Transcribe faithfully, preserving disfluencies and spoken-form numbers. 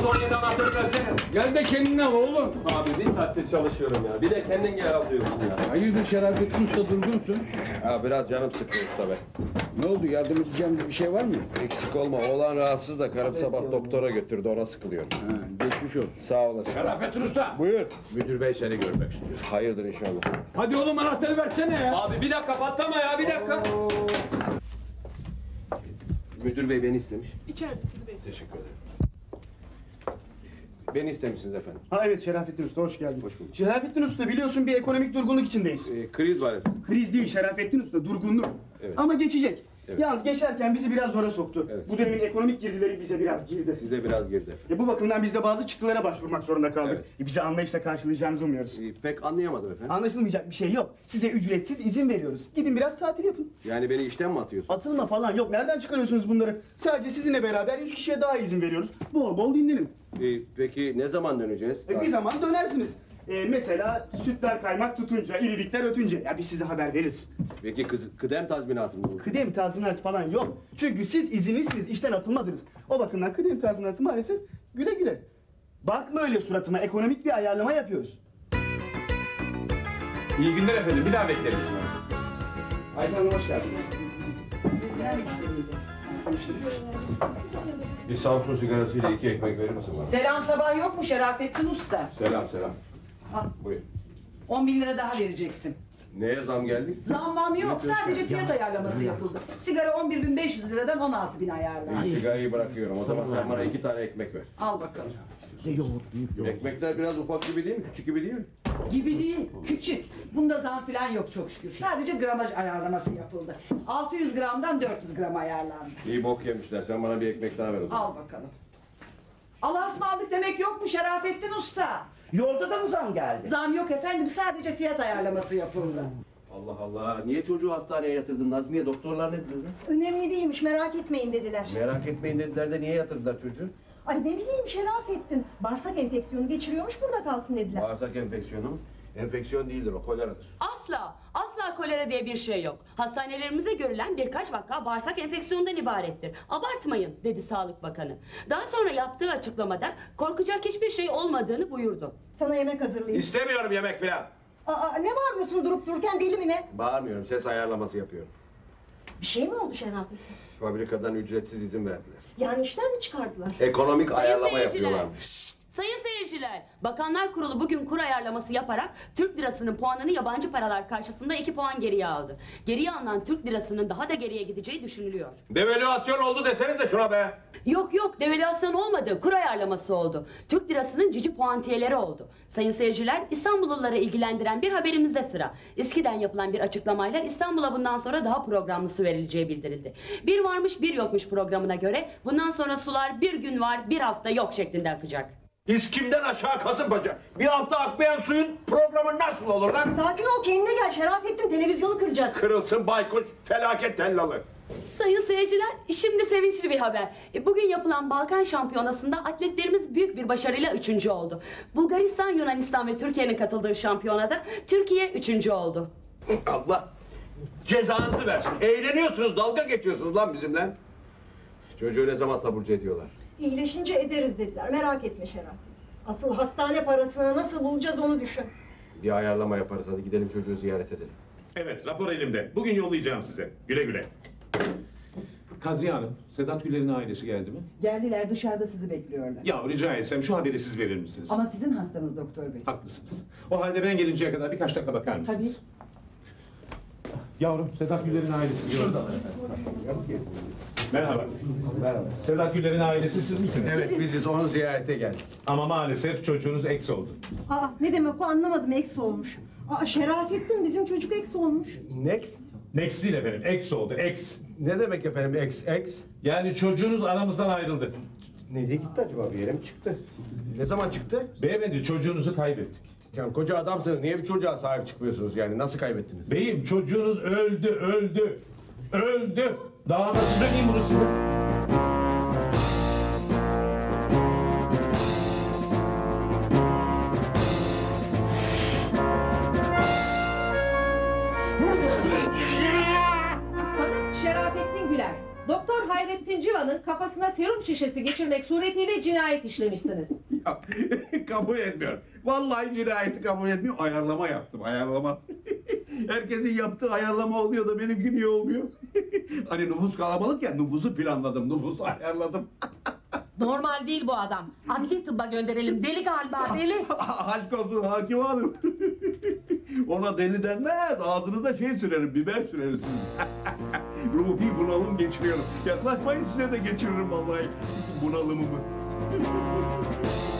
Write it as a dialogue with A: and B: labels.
A: Kodu on yedi anahtarı versene.
B: Gel de kendini al oğlum.
A: Abi bir saattir çalışıyorum ya. Bir de kendin gel al diyorsun ya.
B: Hayırdır Şerafettin Usta durgunsun?
C: Ya biraz canım sıkıyor usta be.
B: Ne oldu, yardım edeceğim bir şey var mı?
C: Eksik olma, oğlan rahatsız da karım sabah doktora götürdü, ona sıkılıyor.
B: Ha, geçmiş olsun.
C: Sağ olasın.
B: Şerafettin Usta.
C: Buyur.
A: Müdür bey seni görmek istiyor.
C: Hayırdır inşallah.
B: Hadi oğlum anahtarı versene ya.
A: Abi bir dakika patlama ya bir dakika.
C: Müdür bey beni istemiş.
D: İçeride sizi bekliyorum.
C: Teşekkür ederim. Beni istemişsiniz efendim.
E: Ha evet Şerafettin Usta hoş geldin.
C: Hoş bulduk.
E: Şerafettin Usta biliyorsun bir ekonomik durgunluk içindeyiz.
C: Ee, kriz var efendim.
E: Kriz değil Şerafettin Usta durgunluk.
C: Evet.
E: Ama geçecek.
C: Evet.
E: Yalnız geçerken bizi biraz zora soktu.
C: Evet.
E: Bu dönemin ekonomik girdileri bize biraz girdi.
C: Size biraz girdi efendim.
E: E, bu bakımdan biz de bazı çıktılara başvurmak zorunda kaldık.
C: Evet.
E: E, bizi anlayışla karşılayacağınızı umuyoruz.
C: Ee, pek anlayamadım efendim.
E: Anlaşılmayacak bir şey yok. Size ücretsiz izin veriyoruz. Gidin biraz tatil yapın.
C: Yani beni işten mi atıyorsun?
E: Atılma falan yok. Nereden çıkarıyorsunuz bunları? Sadece sizinle beraber yüz kişiye daha izin veriyoruz. Bol bol dinlenin.
C: Ee, peki ne zaman döneceğiz?
E: E, bir zaman dönersiniz. E, mesela sütler kaymak tutunca, irilikler ötünce. Ya biz size haber veririz.
C: Peki kız, kıdem tazminatı mı olur?
E: Kıdem tazminatı falan yok. Çünkü siz izinlisiniz, işten atılmadınız. O bakımdan kıdem tazminatı maalesef güle güle. Bakma öyle suratıma, ekonomik bir ayarlama yapıyoruz.
A: İyi günler efendim bir daha bekleriz.
E: Ayten Hanım hoş geldiniz.
C: Bir Samsun sigarasıyla iki ekmek verir misin bana?
F: Selam sabah yok mu Şerafettin Usta?
C: Selam selam.
F: Al.
C: Buyur.
F: on bin lira daha vereceksin.
C: Neye zam geldi?
F: Zammam yok, sadece fiyat ayarlaması yapıldı. Sigara on bir bin beş yüz liradan on altı bin ayarlandı.
C: İyi, sigarayı bırakıyorum. O zaman sen bana iki tane ekmek ver.
F: Al bakalım.
C: Ekmekler biraz ufak gibi değil mi? Küçük gibi değil mi?
F: Gibi değil, küçük. Bunda zam falan yok çok şükür. Sadece gramaj ayarlaması yapıldı. altı yüz gramdan dört yüz gram ayarlandı.
C: İyi bok yemişler. Sen bana bir ekmek daha ver o zaman.
F: Al bakalım. Allah'a ısmarladık demek yok mu Şerafettin Usta?
G: Yolda da mı zam geldi?
F: Zam yok efendim, sadece fiyat ayarlaması yapıldı.
C: Allah Allah. Niye çocuğu hastaneye yatırdın Nazmiye? Doktorlar ne dediler?
H: Önemli değilmiş, merak etmeyin dediler.
C: Merak etmeyin dediler de niye yatırdılar çocuğu?
H: Ay ne bileyim Şerafettin, bağırsak enfeksiyonu geçiriyormuş, burada kalsın dediler.
C: Bağırsak enfeksiyonu mu? Enfeksiyon değildir o, koleradır.
I: Asla, asla kolera diye bir şey yok. Hastanelerimizde görülen birkaç vaka bağırsak enfeksiyonundan ibarettir. Abartmayın, dedi Sağlık Bakanı. Daha sonra yaptığı açıklamada korkacak hiçbir şey olmadığını buyurdu.
H: Sana yemek hazırlayayım.
C: İstemiyorum yemek falan.
H: Aa, ne bağırıyorsun durup dururken, deli mi ne?
C: Bağırmıyorum, ses ayarlaması yapıyorum.
H: Bir şey mi oldu Şerafettin?
C: Fabrikadan ücretsiz izin verdiler.
H: Yani işten mi çıkardılar?
C: Ekonomik
I: Sayın
C: ayarlama
I: seyirciler.
C: yapıyorlarmış.
I: Sayın seyirciler, Bakanlar Kurulu bugün kur ayarlaması yaparak Türk lirasının puanını yabancı paralar karşısında iki puan geriye aldı. Geriye alınan Türk lirasının daha da geriye gideceği düşünülüyor.
C: Devalüasyon oldu desenize şuna be.
I: Yok yok, devalüasyon olmadı, kur ayarlaması oldu. Türk lirasının cici puantiyeleri oldu. Sayın seyirciler, İstanbulluları ilgilendiren bir haberimizde sıra. İSKİ'den yapılan bir açıklamayla İstanbul'a bundan sonra daha programlı su verileceği bildirildi. Bir varmış bir yokmuş programına göre bundan sonra sular bir gün var bir hafta yok şeklinde akacak.
C: İskimden aşağı Kasımpaşa. Bir hafta akmayan suyun programı nasıl olur lan?
H: Sakin ol, kendine gel Şerafettin, televizyonu kıracak.
C: Kırılsın baykuş, felaket tellalı.
I: Sayın seyirciler, şimdi sevinçli bir haber. E, Bugün yapılan Balkan Şampiyonası'nda atletlerimiz büyük bir başarıyla üçüncü oldu. Bulgaristan, Yunanistan ve Türkiye'nin katıldığı şampiyonada Türkiye üçüncü oldu.
C: Allah cezanızı versin. Eğleniyorsunuz, dalga geçiyorsunuz lan bizimle. Çocuğu ne zaman taburcu ediyorlar?
H: İyileşince ederiz dediler, merak etme Şerafettin. Asıl hastane parasını nasıl bulacağız onu düşün.
C: Bir ayarlama yaparız, hadi gidelim çocuğu ziyaret edelim.
J: Evet, rapor elimde. Bugün yollayacağım size. Güle güle.
A: Kadriye Hanım, Sedat Güler'in ailesi geldi mi?
F: Geldiler, dışarıda sizi bekliyorlar.
J: Ya rica etsem şu haberi siz verir misiniz?
F: Ama sizin hastanız doktor bey.
J: Haklısınız. O halde ben gelinceye kadar birkaç dakika bakar mısınız?
F: Tabii.
J: Yavrum, Sedat Güler'in ailesi. Şuradalar efendim. Merhaba. Merhaba. Sedat Güler'in ailesi siz misiniz?
C: Evet, biziz, onu ziyarete geldik.
J: Ama maalesef çocuğunuz eks oldu.
H: Aa, ne demek o, anlamadım, eks olmuş. Aa, Şerafettin, bizim çocuk eks olmuş.
C: Next?
J: Next değil efendim, eks oldu, eks.
C: Ne demek efendim ex ex?
J: Yani çocuğunuz aramızdan ayrıldı.
C: Nereye gitti acaba, bir yere mi çıktı? Ne zaman çıktı?
J: Beyefendi, çocuğunuzu kaybettik.
C: Yani koca adamsınız, niye bir çocuğa sahip çıkmıyorsunuz yani, nasıl kaybettiniz?
J: Beyim, çocuğunuz öldü, öldü. Öldü. Daha nasıl söyleyeyim bunu size?
F: Sanık Şerafettin Güler. Doktor
D: Doktor Hayrettin Civan'ın kafasına serum şişesi geçirmek suretiyle cinayet işlemişsiniz.
C: Ya, kabul etmiyorum. Vallahi cinayeti kabul etmiyor. Ayarlama yaptım, ayarlama. Herkesin yaptığı ayarlama oluyor da benimki niye olmuyor? Hani nüfus kalabalık ya, nüfusu planladım, nüfusu ayarladım.
D: Normal değil bu adam. Adli tıbba gönderelim. Deli galiba, deli.
C: Aşk olsun hakim hanım. Ona deli denmez, ağzınıza şey sürerim, biber süreriz. Ruhi bunalım geçiriyorum. Yaklaşmayın, size de geçiririm vallahi bunalımımı.